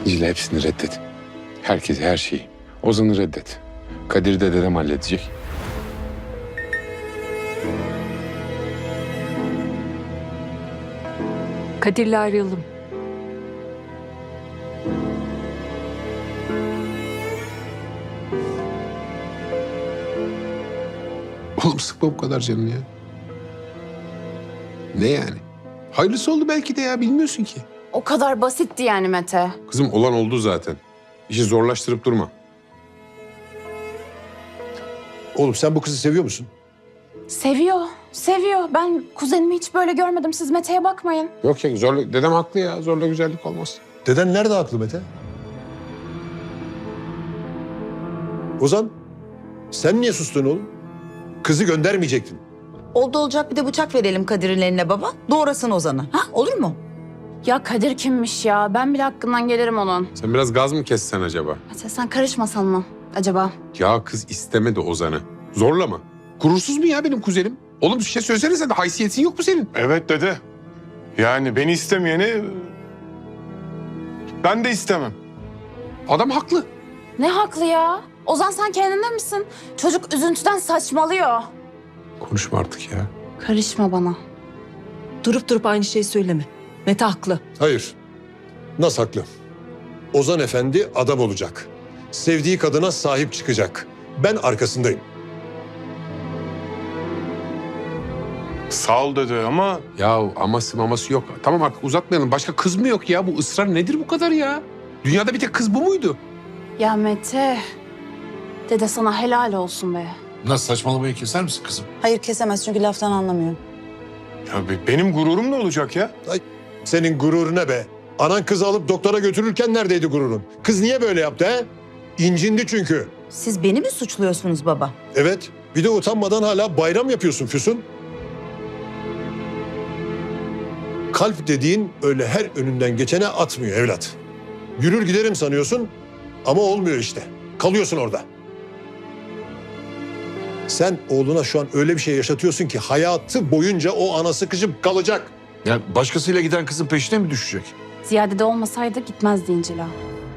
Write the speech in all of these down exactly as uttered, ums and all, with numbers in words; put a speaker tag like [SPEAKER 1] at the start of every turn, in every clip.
[SPEAKER 1] İncil'e hepsini reddet. Herkese, her şeyi. Ozan'ı reddet. Kadir'i de dedem halledecek.
[SPEAKER 2] Kadir'le ayrıldım.
[SPEAKER 1] Oğlum sıkma bu kadar canını ya. Ne yani? Hayırlısı oldu belki de ya, bilmiyorsun ki.
[SPEAKER 3] O kadar basitti yani Mete.
[SPEAKER 1] Kızım olan oldu zaten. İşi zorlaştırıp durma.
[SPEAKER 4] Oğlum sen bu kızı seviyor musun?
[SPEAKER 3] Seviyor, seviyor. Ben kuzenimi hiç böyle görmedim. Siz Mete'ye bakmayın.
[SPEAKER 1] Yok ya, zorla, dedem haklı ya. Zorla güzellik olmaz.
[SPEAKER 4] Deden nerede haklı Mete? Ozan, sen niye sustun oğlum? Kızı göndermeyecektin.
[SPEAKER 5] Oldu olacak bir de bıçak verelim Kadir'in eline baba. Doğrasın Ozan'ı. Ha olur mu?
[SPEAKER 3] Ya Kadir kimmiş ya? Ben bile hakkından gelirim onun.
[SPEAKER 1] Sen biraz gaz mı kessen acaba?
[SPEAKER 3] Mete sen karışmasan mı acaba?
[SPEAKER 1] Ya kız istemedi Ozan'ı. Zorla mı? Gurursuz mu ya benim kuzenim? Oğlum bir şey söylesene sen de, haysiyetin yok mu senin?
[SPEAKER 6] Evet dede. Yani beni istemeyeni ben de istemem.
[SPEAKER 1] Adam haklı.
[SPEAKER 3] Ne haklı ya? Ozan sen kendinde misin? Çocuk üzüntüden saçmalıyor.
[SPEAKER 1] Konuşma artık ya.
[SPEAKER 3] Karışma bana.
[SPEAKER 2] Durup durup aynı şeyi söyleme. Mete haklı.
[SPEAKER 4] Hayır. Nasıl haklı? Ozan Efendi adam olacak. Sevdiği kadına sahip çıkacak. Ben arkasındayım.
[SPEAKER 6] Sağ ol dede ama
[SPEAKER 1] Ya aması maması yok. Tamam artık uzatmayalım. Başka kız mı yok ya? Bu ısrar nedir bu kadar ya? Dünyada bir tek kız bu muydu?
[SPEAKER 3] Ya Mete. Dede sana helal olsun be.
[SPEAKER 7] Nasıl, saçmalamayı keser misin kızım?
[SPEAKER 5] Hayır kesemez çünkü laftan anlamıyor.
[SPEAKER 6] ya be- benim gururum ne olacak ya?
[SPEAKER 4] Senin gururuna be. Anan kızı alıp doktora götürürken neredeydi gururun? Kız niye böyle yaptı he? İncindi çünkü.
[SPEAKER 5] Siz beni mi suçluyorsunuz baba?
[SPEAKER 4] Evet. Bir de utanmadan hala bayram yapıyorsun Füsun. Kalp dediğin öyle her önünden geçene atmıyor evlat. Yürür giderim sanıyorsun ama olmuyor işte. Kalıyorsun orada. Sen oğluna şu an öyle bir şey yaşatıyorsun ki hayatı boyunca o ana sıkışıp kalacak.
[SPEAKER 7] Ya başkasıyla giden kızın peşine mi düşecek?
[SPEAKER 3] Ziyade de olmasaydı gitmezdi İncil'a.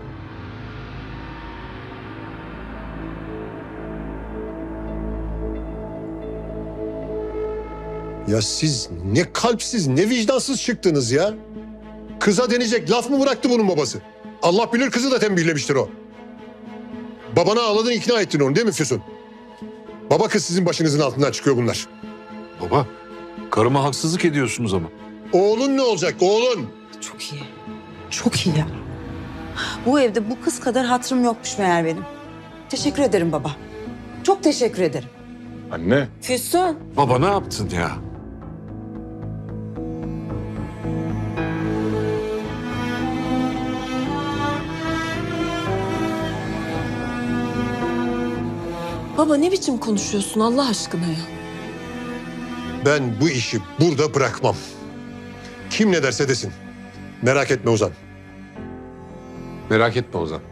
[SPEAKER 4] Ya siz ne kalpsiz ne vicdansız çıktınız ya. Kıza denecek laf mı bıraktı bunun babası? Allah bilir kızı da tembihlemiştir o. Babana ağladın ikna ettin onu değil mi Füsun? Baba kız sizin başınızın altından çıkıyor bunlar.
[SPEAKER 7] Baba, karıma haksızlık ediyorsunuz ama.
[SPEAKER 4] Oğlun ne olacak oğlun?
[SPEAKER 5] Çok iyi. Çok iyi ya. Bu evde bu kız kadar hatırım yokmuş meğer benim. Teşekkür ederim baba. Çok teşekkür ederim.
[SPEAKER 6] Anne.
[SPEAKER 5] Füsun.
[SPEAKER 7] Baba ne yaptın ya?
[SPEAKER 2] Baba ne biçim konuşuyorsun Allah aşkına ya?
[SPEAKER 4] Ben bu işi burada bırakmam. Kim ne derse desin. Merak etme Ozan.
[SPEAKER 1] Merak etme Ozan.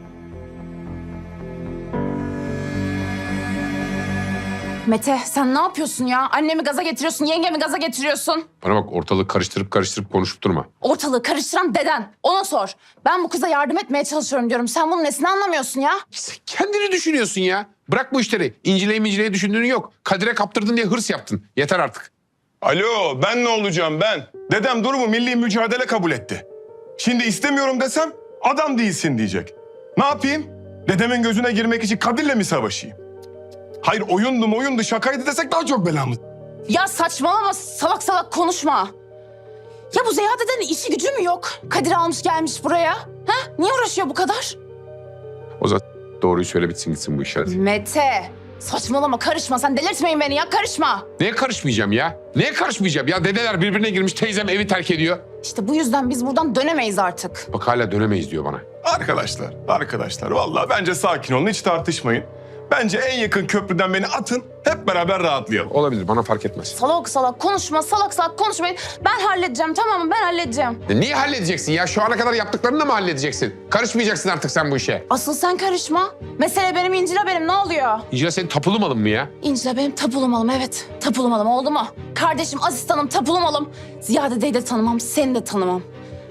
[SPEAKER 3] Mete sen ne yapıyorsun ya? Annemi gaza getiriyorsun, yengemi gaza getiriyorsun.
[SPEAKER 1] Bana bak, ortalığı karıştırıp karıştırıp konuşup durma.
[SPEAKER 3] Ortalığı karıştıran deden. Ona sor. Ben bu kıza yardım etmeye çalışıyorum diyorum. Sen bunun nesini anlamıyorsun ya?
[SPEAKER 1] Sen kendini düşünüyorsun ya. Bırak bu işleri. İncileyi mincileyi düşündüğün yok. Kadir'e kaptırdın diye hırs yaptın. Yeter artık.
[SPEAKER 6] Alo ben ne olacağım ben? Dedem durumu milli mücadele kabul etti. Şimdi istemiyorum desem adam değilsin diyecek. Ne yapayım? Dedemin gözüne girmek için Kadir'le mi savaşayım? Hayır oyundu oyundu şakaydı desek daha çok belamız.
[SPEAKER 3] Ya saçmalama, salak salak konuşma. Ya bu Ziya dedenin işi gücü mü yok? Kadir almış gelmiş buraya. Ha? Niye uğraşıyor bu kadar?
[SPEAKER 1] Ozan doğruyu söyle, bitsin gitsin bu iş hadi.
[SPEAKER 3] Mete, saçmalama, karışma. Sen delirtmeyin beni ya, karışma.
[SPEAKER 1] Neye karışmayacağım ya? Neye karışmayacağım? Ya dedeler birbirine girmiş, teyzem evi terk ediyor.
[SPEAKER 3] İşte bu yüzden biz buradan dönemeyiz artık.
[SPEAKER 1] Bak hala dönemeyiz diyor bana.
[SPEAKER 6] Arkadaşlar, arkadaşlar vallahi bence sakin olun hiç tartışmayın. Bence en yakın köprüden beni atın hep beraber rahatlayalım.
[SPEAKER 1] Olabilir, bana fark etmez.
[SPEAKER 3] Salak salak konuşma, salak salak konuşmayın. Ben halledeceğim, tamam mı? Ben halledeceğim.
[SPEAKER 1] Ya niye halledeceksin ya? Şu ana kadar yaptıklarını da mı halledeceksin? Karışmayacaksın artık sen bu işe.
[SPEAKER 3] Asıl sen karışma. Mesele benim, İncil'e benim. Ne oluyor?
[SPEAKER 1] İncil'e senin tapulu malın mı ya?
[SPEAKER 3] İncil'e benim tapulu malım, evet. Tapulu malım oldu mu? Kardeşim, asistanım, tapulu malım. Ziya dedeyi de tanımam, seni de tanımam.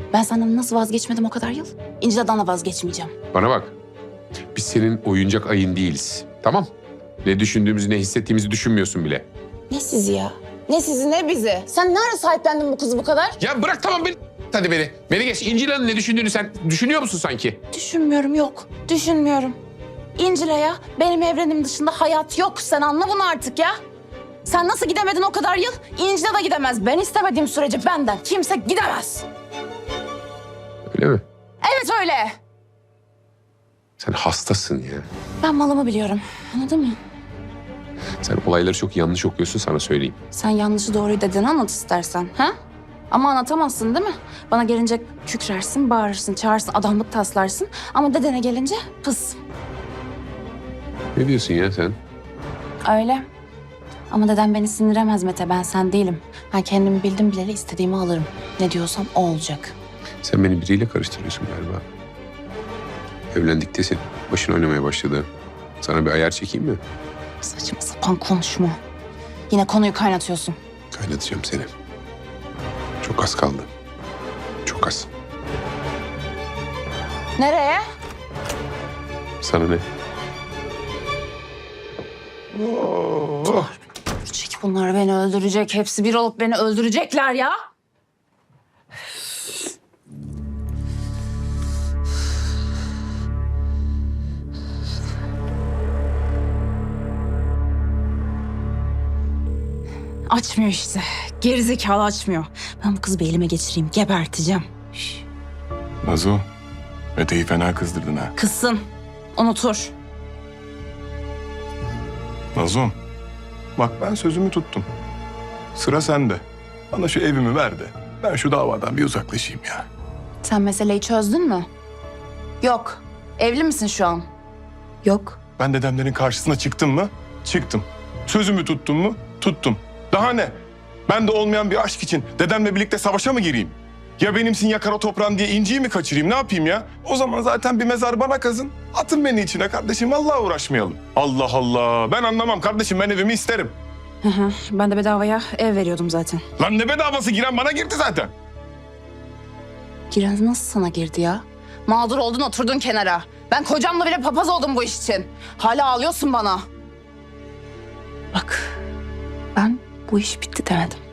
[SPEAKER 3] Ben senden nasıl vazgeçmedim o kadar yıl? İncil'den de vazgeçmeyeceğim.
[SPEAKER 1] Bana bak. Biz senin oyuncak ayın değiliz. Tamam. Ne düşündüğümüzü, ne hissettiğimizi düşünmüyorsun bile.
[SPEAKER 3] Ne sizi ya? Ne sizi ne bizi? Sen ne ara sahiplendin bu kızı bu kadar?
[SPEAKER 1] Ya bırak tamam beni. Hadi beni. Beni geç. İncil Hanım ne düşündüğünü sen düşünüyor musun sanki?
[SPEAKER 3] Düşünmüyorum yok. Düşünmüyorum. İncil'e ya benim evrenim dışında hayat yok. Sen anla bunu artık ya. Sen nasıl gidemedin o kadar yıl? İncil'e de gidemez. Ben istemediğim sürece benden kimse gidemez.
[SPEAKER 1] Öyle mi?
[SPEAKER 3] Evet öyle.
[SPEAKER 1] Sen hastasın ya.
[SPEAKER 3] Ben malımı biliyorum. Anladın mı?
[SPEAKER 1] Sen olayları çok yanlış okuyorsun sana söyleyeyim.
[SPEAKER 3] Sen yanlışı doğruyu dediğini anlat istersen. Ha? Ama anlatamazsın değil mi? Bana gelince kükrersin, bağırırsın, çağırsın, adamlık taslarsın. Ama dedene gelince pıs.
[SPEAKER 1] Ne diyorsun ya sen?
[SPEAKER 3] Öyle. Ama dedem beni sindiremez Mete. Ben sen değilim. Ben kendimi bildim bileli istediğimi alırım. Ne diyorsam o olacak.
[SPEAKER 1] Sen beni biriyle karıştırıyorsun galiba. Evlendikte senin başın oynamaya başladı. Sana bir ayar çekeyim mi?
[SPEAKER 3] Saçma sapan konuşma. Yine konuyu kaynatıyorsun.
[SPEAKER 1] Kaynatacağım seni. Çok az kaldı. Çok az.
[SPEAKER 3] Nereye?
[SPEAKER 1] Sana ne?
[SPEAKER 3] Çek bunlar beni öldürecek. Hepsi bir olup beni öldürecekler ya. Açmıyor işte. Gerizekalı açmıyor. Ben bu kızı bir elime geçireyim. Geberteceğim.
[SPEAKER 6] Nazo, Mete'yi fena kızdırdın ha.
[SPEAKER 3] Kızsın. Unutur.
[SPEAKER 6] Nazom, bak ben sözümü tuttum. Sıra sende. Bana şu evimi ver de ben şu davadan bir uzaklaşayım ya.
[SPEAKER 3] Sen meseleyi çözdün mü? Yok. Evli misin şu an?
[SPEAKER 2] Yok.
[SPEAKER 6] Ben dedemlerin karşısına çıktım mı? Çıktım. Sözümü tuttum mu? Tuttum. Daha ne? Ben de olmayan bir aşk için dedemle birlikte savaşa mı gireyim? Ya benimsin ya kara toprağın diye inciyi mi kaçırayım? Ne yapayım ya? O zaman zaten bir mezar bana kazın. Atın beni içine kardeşim. Vallahi uğraşmayalım. Allah Allah. Ben anlamam kardeşim. Ben evimi isterim.
[SPEAKER 3] Hı hı. Ben de bedavaya ev veriyordum zaten.
[SPEAKER 6] Lan ne bedavası, giren bana girdi zaten.
[SPEAKER 3] Giren nasıl sana girdi ya? Mağdur oldun oturdun kenara. Ben kocamla bile papaz oldum bu iş için. Hala ağlıyorsun bana. Bak ben bu iş bitti demedim.